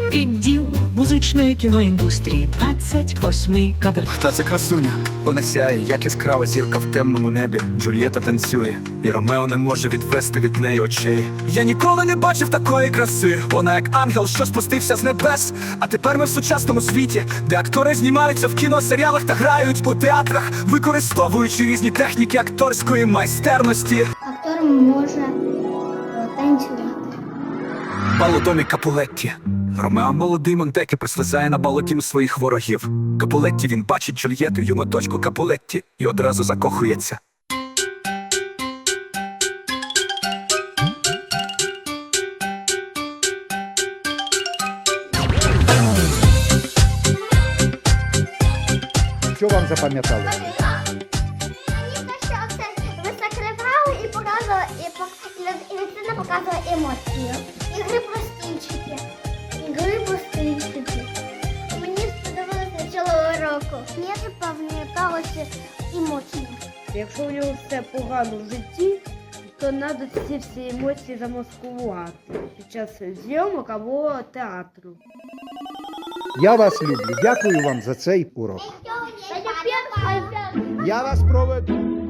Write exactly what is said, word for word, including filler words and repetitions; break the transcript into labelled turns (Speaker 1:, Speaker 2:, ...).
Speaker 1: Відділ музичної кіноіндустрії, двадцять восьмий кадр.
Speaker 2: Та це красуня, вона сяє, як яскрава зірка в темному небі. Джульєта танцює, і Ромео не може відвести від неї очей. Я ніколи не бачив такої краси. Вона як ангел, що спустився з небес. А тепер ми в сучасному світі, де актори знімаються в кіносеріалах та грають у театрах, використовуючи різні техніки акторської майстерності.
Speaker 3: Актор може е, танцювати.
Speaker 2: Балодомі Капулетті. Ромео молодий Монтеке прислизає на балотім своїх ворогів. Капулетті він бачить Джульєту, юну дочку Капулетті, і одразу закохується.
Speaker 4: Що вам запам'яталося?
Speaker 3: Мені те, що це високе грали і показували, і, пок- і, люд- і людина показувала емоції. Ігри про стільчики. Ігри про стільчики. Мені сподобалося начало уроку. Мені запам'яталося емоції.
Speaker 5: Якщо у нього все погано в житті, то треба ці всі емоції замаскувати під час зйомок або театру.
Speaker 4: Я вас люблю. Дякую вам за цей урок.
Speaker 3: Та я перша.
Speaker 4: Я вас проведу.